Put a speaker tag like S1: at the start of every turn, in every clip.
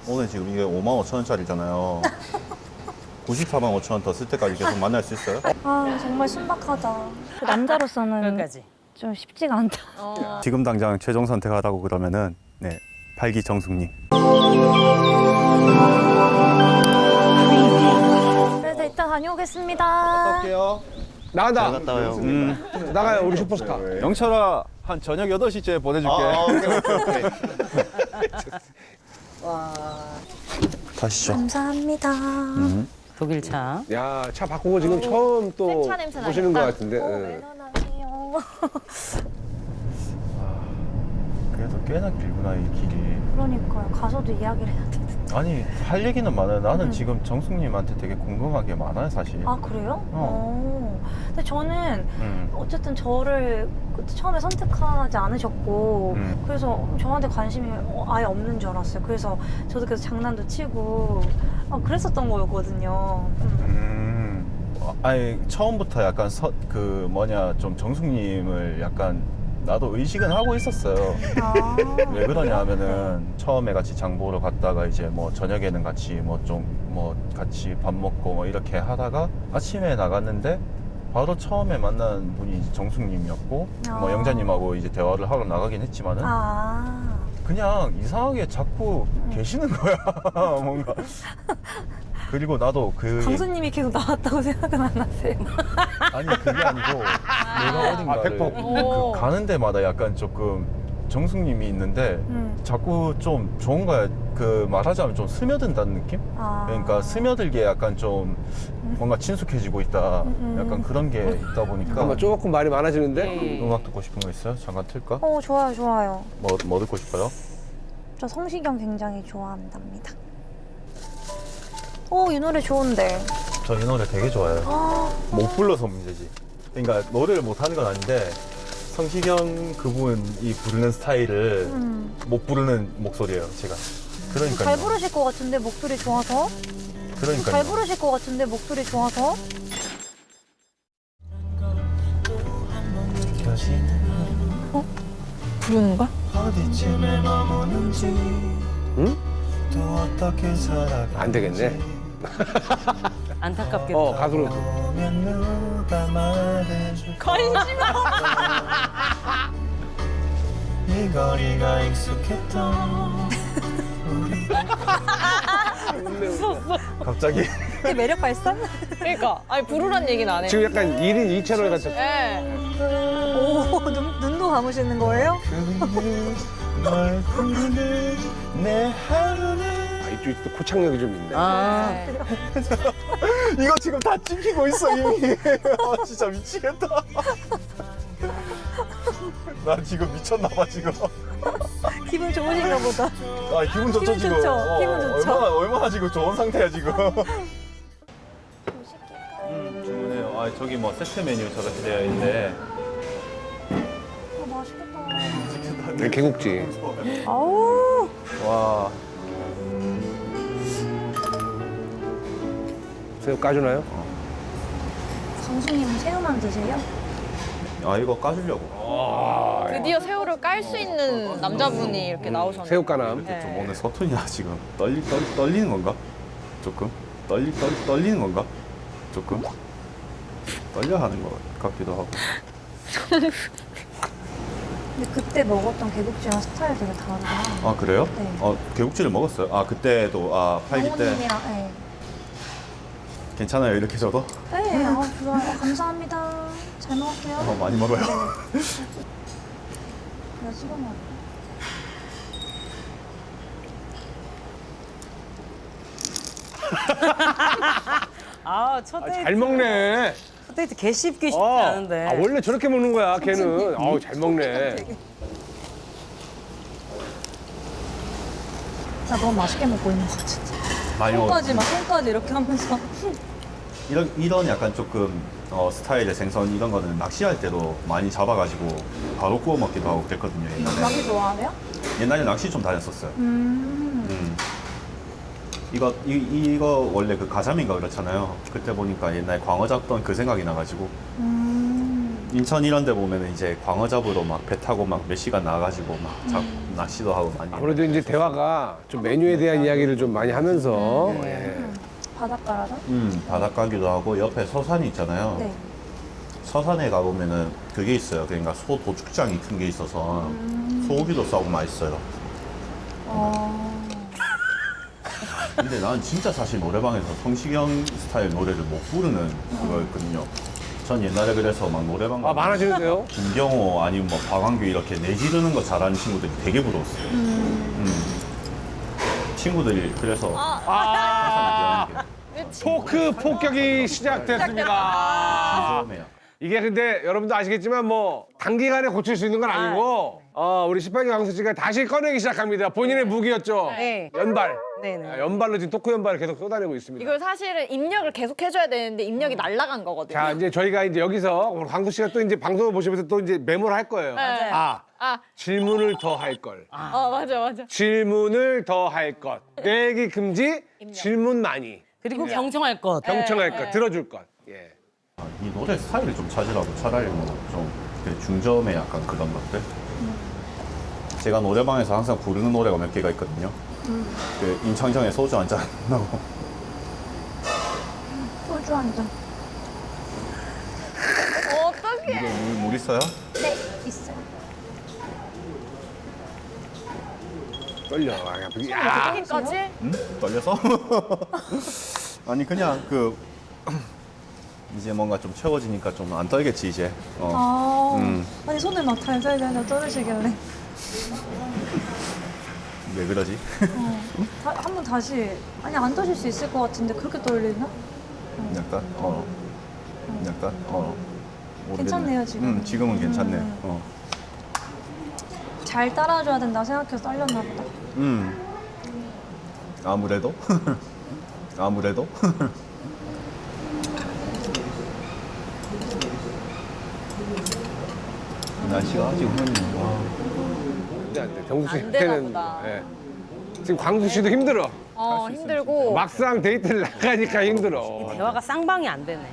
S1: 오늘 지금 이게 55,000원짜리잖아요. 94만 5천 원 더 쓸 때까지 계속 만날 수 있어요?
S2: 아 정말 신박하다. 남자로서는
S3: 여기까지.
S2: 좀 쉽지가 않다.
S1: 지금 당장 최종 선택하라고 그러면은 네, 팔기정숙님.
S2: 그래서 이따 다녀오겠습니다.
S1: 갈게요.
S4: 나간다.
S1: 갔다 와요.
S4: 나가요, 우리 슈퍼스타.
S1: 영철아, 한 저녁 8시쯤에 보내줄게.
S4: 오케이.
S1: 가시죠.
S2: 감사합니다.
S3: 독일 차.
S4: 야, 차 바꾸고 지금 처음 또
S2: 새 차 냄새
S4: 보시는 것
S2: 나겠다.
S4: 같은데. 응.
S2: 매너남이요.
S1: 그래도 꽤나 길구나, 이 길이.
S2: 그러니까요. 가서도 이야기를 해야 되는데.
S1: 아니, 할 얘기는 많아요. 나는 지금 정숙님한테 되게 궁금한 게 많아요, 사실.
S2: 아 그래요? 근데 저는
S1: 음.
S2: 어쨌든 저를 처음에 선택하지 않으셨고
S1: 음.
S2: 그래서 저한테 관심이 아예 없는 줄 알았어요. 그래서 저도 계속 장난도 치고 그랬었던 거였거든요.
S1: 아니, 처음부터 약간 좀 정숙님을 약간 나도 의식은 하고 있었어요.
S2: 아.
S1: 왜 그러냐 하면은 처음에 같이 장 보러 갔다가 이제 뭐 저녁에는 같이 뭐 같이 밥 먹고 뭐 이렇게 하다가 아침에 나갔는데 바로 처음에 만난 분이 이제 정숙님이었고 뭐
S2: 아.
S1: 영자님하고 이제 대화를 하러 나가긴 했지만은 그냥 이상하게 자꾸 계시는 거야. 뭔가. 그리고 나도
S2: 강수님이 계속 나왔다고 생각은 안 하세요?
S1: 아니 그게 아니고 내가 어딘가를
S4: 100%.
S1: 그 가는 데마다 약간 조금 정숙님이 있는데 자꾸 좀 좋은 거야. 그 말하자면 좀 스며든다는 느낌? 그러니까 스며들게 약간 좀 뭔가 친숙해지고 있다. 약간 그런 게 있다 보니까.
S4: 잠깐만, 조금 말이 많아지는데.
S1: 음악 듣고 싶은 거 있어요? 잠깐 틀까?
S2: 좋아요, 좋아요.
S1: 뭐 듣고 싶어요?
S2: 저 성시경 굉장히 좋아한답니다. 이 노래 좋은데.
S1: 저 이 노래 되게 좋아해요. 못 불러서 문제지. 그러니까 노래를 못 하는 건 아닌데 성시경 그분이 부르는 스타일을 못 부르는 목소리예요, 제가. 그러니까.
S2: 잘 부르실 것 같은데 목소리 좋아서.
S1: 그러니까.
S2: 잘 부르실 것 같은데 목소리 좋아서. 부르는 거야?
S1: 어디쯤에 머무는지
S4: 응?
S1: 또 어떻게 살아가
S4: 안 되겠네.
S3: 안타깝게도.
S4: 가수로.
S1: 보면 누가 말해줄 이 거리가 익숙했던 우리 갑자기
S2: 이게 매력 발산?
S5: 그러니까 아니 부르란 얘기는 안 해.
S4: 지금 약간 1인 2채널 같은.
S5: 네.
S2: 눈도 감으시는 거예요?
S1: 널 부르는 내 하루는
S4: 이쪽이 또 코창력이 좀 있네.
S1: 이거 지금 다 찍히고 있어 이미. 진짜 미치겠다. 나 지금 미쳤나봐 지금.
S2: 기분 좋으신가 보다.
S1: 아 기분 좋죠
S2: 기분
S1: 지금.
S2: 좋죠, 기분 좋죠.
S1: 얼마나 지금 좋은 상태야 지금. 주문해요. 아 저기 뭐 세트 메뉴 저렇게 되어 있는데.
S2: 맛있겠다.
S4: 개국지.
S2: 아우.
S1: 와.
S4: 새우 까주나요?
S2: 강수님은 새우만 드세요?
S1: 아 이거 까주려고.
S5: 드디어 새우를 깔 수 있는 남자분이 이렇게 나오셨네요.
S4: 새우까남.
S5: 네.
S1: 좀 오늘 서툰이야 지금. 떨리는 건가? 조금? 떨리는 건가? 조금? 떨려 하는 것 같기도 하고.
S2: 근데 그때 먹었던 개국지랑 스타일 되게 다르다.
S1: 아 그래요?
S2: 네.
S1: 개국지를 먹었어요? 아 그때도 팔기 때
S2: 어머님이랑, 네.
S1: 괜찮아요 이렇게 줘도?
S2: 네, 좋아요. 감사합니다. 잘 먹을게요.
S1: 많이 먹어요.
S2: 내가 찍어 먹어.
S3: 첫 데이트.
S4: 잘 먹네.
S3: 첫 데이트 개 쉽기 쉽지 않은데.
S4: 원래 저렇게 먹는 거야, 걔는. 잘 먹네.
S2: 나 너무 맛있게 먹고 있는 것 같은데.
S1: 많이
S2: 손까지 막 손까지 이렇게 하면서.
S1: 이런 약간 조금 스타일의 생선 이런 거는 낚시할 때도 많이 잡아가지고 바로 구워 먹기도 하고 그랬거든요 옛날에.
S2: 낚시 좋아하세요?
S1: 옛날에 낚시 좀 다녔었어요. 이거 원래 그 가자미인가 그렇잖아요. 그때 보니까 옛날에 광어 잡던 그 생각이 나가지고 인천 이런 데 보면은 이제 광어 잡으러 막 배 타고 막 몇 시간 나가지고 막 낚시도 하고 많이.
S4: 아무래도 이제 대화가 좀 메뉴에 대한 이야기를 좀 많이 하면서 예.
S2: 바닷가라서?
S1: 바닷가기도 하고 옆에 서산이 있잖아요.
S2: 네.
S1: 서산에 가보면은 그게 있어요. 그러니까 소 도축장이 큰 게 있어서 소고기도 싸고 맛있어요. 근데 나는 진짜 사실 노래방에서 성시경 스타일 노래를 못 부르는 그거였거든요. 전 옛날에 그래서 막 노래방
S4: 아, 많아지는데요?
S1: 김경호 아니면 뭐 박완규 이렇게 내지르는 거 잘하는 친구들이 되게 부러웠어요. 친구들이 그래서
S4: 토크 폭격이 시작됐습니다.
S1: 처음에요.
S4: 이게 근데 여러분도 아시겠지만 뭐 단기간에 고칠 수 있는 건 아니고 우리 18기 강수 씨가 다시 꺼내기 시작합니다. 본인의 무기였죠.
S3: 네.
S4: 연발.
S3: 네네.
S4: 연발로 지금 토크 연발을 계속 쏟아내고 있습니다.
S5: 이걸 사실은 입력을 계속 해줘야 되는데 입력이 날아간 거거든요.
S4: 자 이제 저희가 이제 여기서 오늘 강수 씨가 또 이제 방송을 보시면서 또 이제 메모를 할 거예요.
S5: 네.
S4: 아
S5: 아,
S4: 질문을 더 할 걸.
S5: 맞아.
S4: 질문을 더 할 것. 내기 금지. 질문 많이.
S3: 그리고 경청할 것.
S4: 경청할 것. 들어줄 것. 예.
S1: 이 노래 스타일을 좀 찾으라고 차라리 뭐좀 중저음의 약간 그런 것들. 제가 노래방에서 항상 부르는 노래가 몇 개가 있거든요. 그 임창정의 소주 한 잔 하고.
S2: 소주 한 잔.
S5: 어떡해.
S1: 이거 물 있어요?
S2: 네, 있어요.
S4: 떨려. 야.
S5: 여기까지?
S1: 응? 떨려서? 아니 그냥 그 이제 뭔가 좀 채워지니까 좀 안 떨겠지 이제.
S2: 아니 손을 막 달달달 떨으시길래
S1: 왜 그러지?
S2: 한번 다시 아니 안 떠실 수 있을 것 같은데 그렇게 떨리나?
S1: 약간 약간 모르겠네.
S2: 괜찮네요, 지금.
S1: 지금은 괜찮네.
S2: 잘 따라줘야 된다 생각해서 떨렸나 보다.
S1: 아무래도 아무래도. 날씨가 아직 흐리네.
S4: 안 돼. 정수
S5: 안 되나
S4: 씨한테는
S5: 보다.
S4: 예. 지금 광수 씨도 힘들어.
S5: 힘들고.
S4: 막상 데이트를 나가니까 힘들어.
S3: 대화가 쌍방이 안 되네.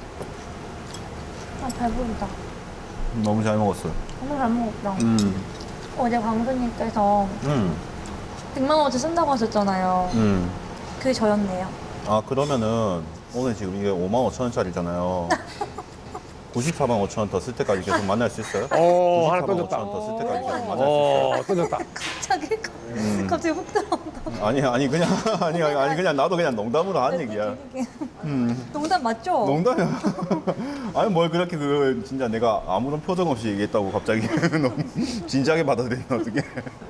S2: 아 배부르다.
S1: 너무 잘 먹었어요.
S2: 너무 잘 먹었다. 어제 광수님께서 100만 원어치 쓴다고 하셨잖아요. 그게 저였네요.
S1: 아 그러면은 오늘 지금 이게 5만 5천 원짜리잖아요. 94만 5천 원 더 쓸 때까지 계속 만날 수 있어요?
S4: 하나
S1: 94만
S4: 던졌다.
S1: 5천 원 더 쓸 때까지 계속 만날 수 있어요?
S4: 던졌다.
S2: 갑자기 훅 들어온다.
S1: 아니 그냥 아니 그냥 나도 그냥 농담으로 한 얘기야.
S2: 농담 맞죠?
S1: 농담이야. 아니 뭘 그렇게 그 진짜 내가 아무런 표정 없이 얘기했다고 갑자기 너무 진지하게 받아들이면 어떡해.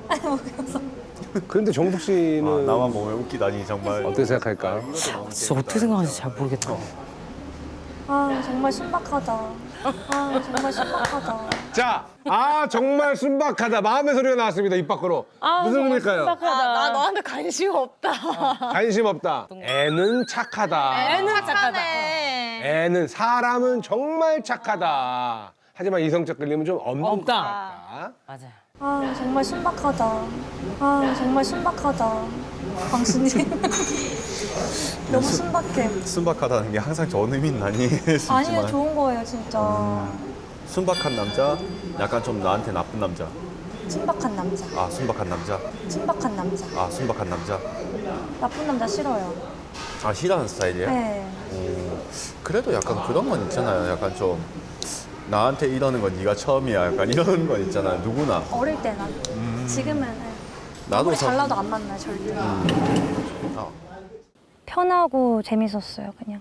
S4: 그런데 정숙 씨는
S1: 나만 보면 웃기다니 정말.
S4: 어떻게 생각할까?
S3: 진짜 어떻게 생각하는지 잘 모르겠다.
S2: 아 정말 신박하다. 아 정말 신박하다.
S4: 자, 정말 순박하다. 마음의 소리가 나왔습니다. 입 밖으로. 무슨 의미일까요?
S5: 나 너한테 관심 없다.
S4: 관심 없다. 애는 착하다.
S5: 애는 착하네.
S4: 애는 사람은 정말 착하다. 하지만 이성적 끌림은 좀 없다.
S3: 없다. 맞아요.
S2: 아 정말 신박하다. 아 정말 신박하다. 광수님 너무 신박해.
S1: 순박하다는 게 항상 좋은 의미는 아니지만
S2: 아니요 좋은 거예요 진짜.
S1: 순박한 남자, 약간 좀 나한테 나쁜 남자.
S2: 신박한 남자.
S1: 아 순박한 남자.
S2: 신박한 남자.
S1: 아 순박한 남자.
S2: 나쁜 남자 싫어요.
S1: 아 싫어하는 스타일이에요?
S2: 네.
S1: 그래도 약간 그런 건 있잖아요. 약간 좀 나한테 이러는 건 네가 처음이야. 약간 이런 건 있잖아요. 누구나.
S2: 어릴 때나. 지금은 네.
S1: 나도
S2: 아무리
S1: 사-
S2: 잘나도 안 만나요 절대.
S1: 아,
S2: 편하고 재밌었어요 그냥.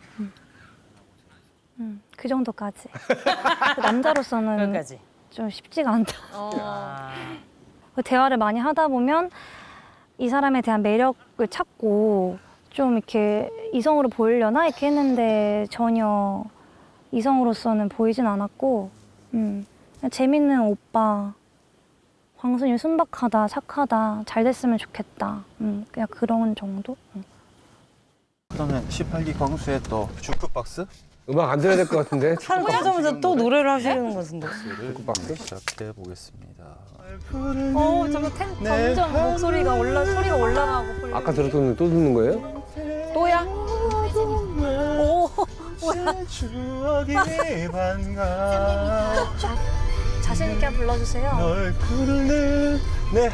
S2: 그 정도까지. 남자로서는
S3: 여기까지.
S2: 좀 쉽지가 않다.
S3: 아.
S2: 대화를 많이 하다 보면 이 사람에 대한 매력을 찾고 좀 이렇게 이성으로 보이려나 이렇게 했는데 전혀 이성으로서는 보이진 않았고 그냥 재밌는 오빠, 광순이 순박하다, 착하다, 잘 됐으면 좋겠다. 그냥 그런 정도?
S1: 그러면 18기 광수의 또 주크박스?
S4: 음악 안 들어야 될 것 같은데.
S3: 하자마자 또 노래를 하시는 것 같은데.
S1: 주크박스 시작해 보겠습니다.
S2: 점점 목소리가 소리가 올라가고.
S4: 아까 들었던 또 듣는 거예요?
S5: 또야?
S1: 추억이 반가
S2: 자신 있게 불러주세요.
S1: 널 부르는 내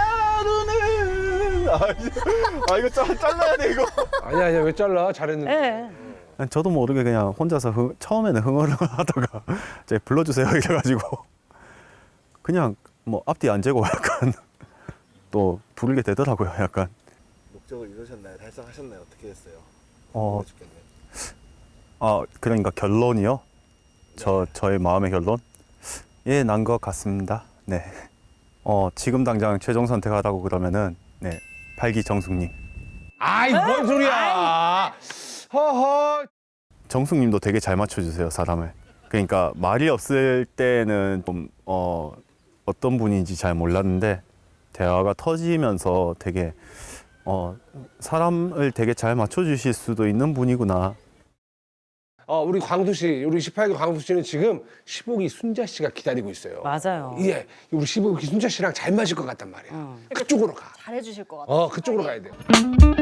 S1: 하루는 이거 잘라야 돼 이거.
S4: 아니야 왜 잘라? 잘했는데.
S3: 네.
S1: 저도 모르게 그냥 혼자서 처음에는 흥얼흥얼하다가 이제 불러주세요 이래가지고 그냥 뭐 앞뒤 안 재고 약간 또 부르게 되더라고요. 약간
S6: 목적을 이루셨나요? 달성하셨나요? 어떻게 됐어요?
S1: 어,
S6: 죽겠네.
S1: 그러니까 결론이요? 저의 마음의 결론? 예, 난 것 같습니다. 네. 지금 당장 최종 선택하라고 그러면은 네, 팔기 정숙님.
S4: 아이 뭔 소리야? 허허.
S1: 정숙님도 되게 잘 맞춰주세요, 사람을. 그러니까 말이 없을 때는 좀 어떤 분인지 잘 몰랐는데 대화가 터지면서 되게 사람을 되게 잘 맞춰주실 수도 있는 분이구나.
S4: 우리 광수 씨, 우리 18기 광수 씨는 지금 15기 순자 씨가 기다리고 있어요.
S3: 맞아요.
S4: 예, 우리 15기 순자 씨랑 잘 맞을 것 같단 말이야. 그쪽으로 가.
S5: 잘해주실 것 같아.
S4: 그쪽으로 가야 돼.